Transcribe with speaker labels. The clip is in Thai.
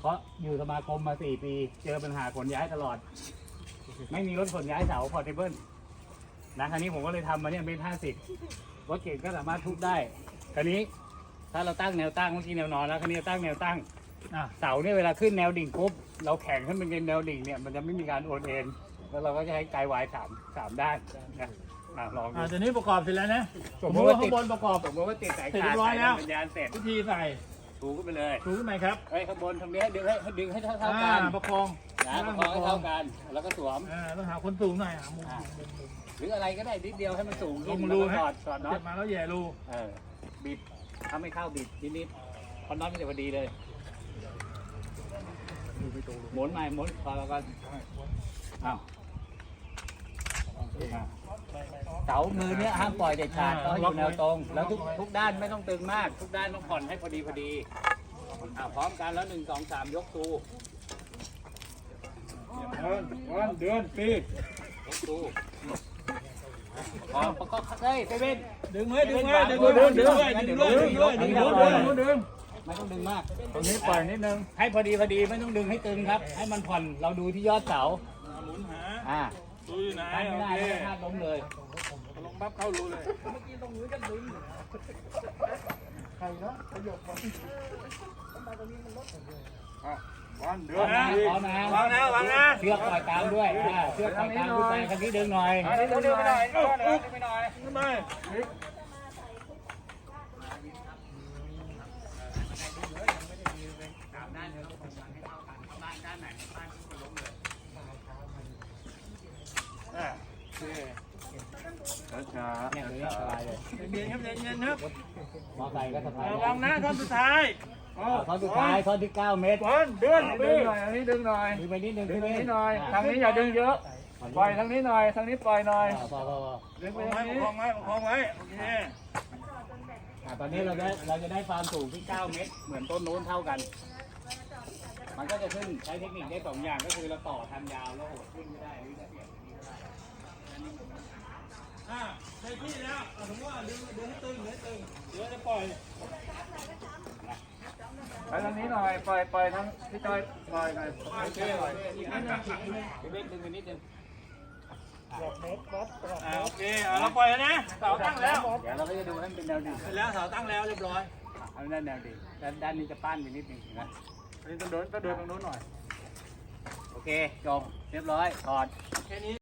Speaker 1: เพราะอยู่สมาคมมา4 ปีเจอปัญหาขนย้ายตลอด ไม่มีรถขนย้ายเสาพอร์ตเทเบิลนะคราวนี้ผมก็เลยทำมาเนี่ยเมตร50รถเก่งก็สามารถทุบได้คราวนี้ถ้าเราตั้งแนวตั้งเมื่อกี้แนวนอนแล้วคราวนี้ตั้งแนวตั้งเสาเนี่ยเวลาขึ้นแนวดิ่งปุ๊บเราแข่งขึ้นเป็นแนวดิ่งเนี่ยมันจะไม่มีการโอนเอ็นแล้วเราก็จะให้ไกด์ไวด์สามด้านนะลองดู
Speaker 2: ตอนนี้ประกอบเสร็จแล้วนะ
Speaker 1: สมมติว่า
Speaker 2: ข้า
Speaker 1: ติด
Speaker 2: งบนประกอบ
Speaker 1: สมมติว่าติดสาย
Speaker 2: เสร็จ
Speaker 1: คา
Speaker 2: เรี
Speaker 1: ด
Speaker 2: ยบร้อยแล้ว
Speaker 1: สัญญาณเสร็จ
Speaker 2: วิธีใส่
Speaker 1: ถูขึ้นไปเลย
Speaker 2: ถูขึ้นไหมครับ
Speaker 1: เฮ้ยข้างบนตรงนี้ดึงให้เท่ากัน
Speaker 2: ประคอง
Speaker 1: นะประคองให้เท่ากันแล้วก็สวม
Speaker 2: ต้องหาคนสูงหน่อยหามุม
Speaker 1: หรืออะไรก็ได้นิดเดียวให้มันสูง
Speaker 2: ล
Speaker 1: ขึ้น
Speaker 2: ง
Speaker 1: แล้ว
Speaker 2: รู
Speaker 1: ก็
Speaker 2: ให้
Speaker 1: สอดน็อ
Speaker 2: เก็
Speaker 1: ต
Speaker 2: บมาแล้วแย่รู
Speaker 1: บิดถ้าไม่เข้าบิดนิดๆเพราะน็อตมันจะพอดีเลยหมุนใหม่หมุนพอแล้วกันอ้าวเสามือเนี้ยห้ามปล่อยเด็ดขาดต้องให้อยู่แนวตรง แล้วทุกด้านไม่ต้องตึงมาก ทุกด้านต้องผ่อนให้พอดีพร้อมกันแล้ว1 2 3ยกตู
Speaker 2: วันเดือนปี
Speaker 1: ยกตูพร้อมประกอบเฮ้ยเซเว่น
Speaker 2: ดึงไว้ดึงไว้ดึงด้วยดึงด้วยดึงด้วยดึงด้วยดึงด้วย
Speaker 1: ไม่ต้องดึงมาก
Speaker 2: ตรงนี้ปล่อยนิดนึง
Speaker 1: ให้พอดีไม่ต้องดึงให้ตึงครับ ให้มันผ่อนเราดูที่ยอดเสา
Speaker 2: หมุนหา
Speaker 1: อ่า
Speaker 2: ดูอยู่ไหน
Speaker 1: ถ้าไม่ได้
Speaker 2: โอเค
Speaker 1: ก็พลาดล้มเลย
Speaker 2: ลงปั๊บเข้ารูเลยวันเดื
Speaker 1: พร้
Speaker 2: อ
Speaker 1: อน มนะ
Speaker 2: ปี
Speaker 1: พร้อมนะ
Speaker 2: วางนะวางนะ
Speaker 1: เชือกปล่อยตามด้วยเชือกปล่อยตามขึ้นไปคันนี้ดึงหน่อย
Speaker 2: ดึงไปหน่อยดึงไปหน่อยขึ้นมา ช้า
Speaker 1: เนี่ยตรงนี้สบายเลย
Speaker 2: เย็นครับเย็นครับ
Speaker 1: มอไซค์ก็สบาย
Speaker 2: ระวังนะท่อนสุดท้าย
Speaker 1: ท่อนสุดท้ายท่อนที่9 เมตร
Speaker 2: วันเดือนดึงหน่อยอันนี้ดึงหน่อย
Speaker 1: ดึงไปนิดนึง
Speaker 2: ดึงนี้หน่อยทางนี้อย่าดึงเยอะปล่อยทางนี้หน่อยทางนี้ปล่อยหน่อย
Speaker 1: พอ
Speaker 2: ดึงไปทางนี้ประคองไว้ประคองไว้โอเค
Speaker 1: ตอนนี้เราจะได้ความสูงที่9 เมตร เหมือนต้นนู้นเท่ากัน มันก็จะขึ้นใช้เทคนิคได้2 อย่างก็คือเราต่อทางยาวแล้วโหดขึ้นก็ได้หรือจะเปลี่ยนแบบนี้ก็ได้
Speaker 2: ใช้ที่แล้วสมมติว่าดึงให้ตึงเดี๋ยวจะปล่อยไปทางนี้หน่อยปล่อยทางพี่จอยปล่อยหน่อยโอเคปล่อย
Speaker 1: อีกนิดนึงดึงไปนิดนึง
Speaker 2: โอเคเราปล่อยแล้วนะเสาตั้งแล้ว
Speaker 1: เดี๋ยวเราก็จะดูให้มันเป็นแนวดิ่ง
Speaker 2: เสร็จแล้วเสาตั้งแล้วเรียบร้อย
Speaker 1: เอาด้านแนวดิ่งด้านนี้จะป้านไปนิดนึงนะ
Speaker 2: อันนี้ต้องเดินตรงโน้นหน่อย
Speaker 1: โอเคจบเรียบร้อยถอด
Speaker 2: แค่นี้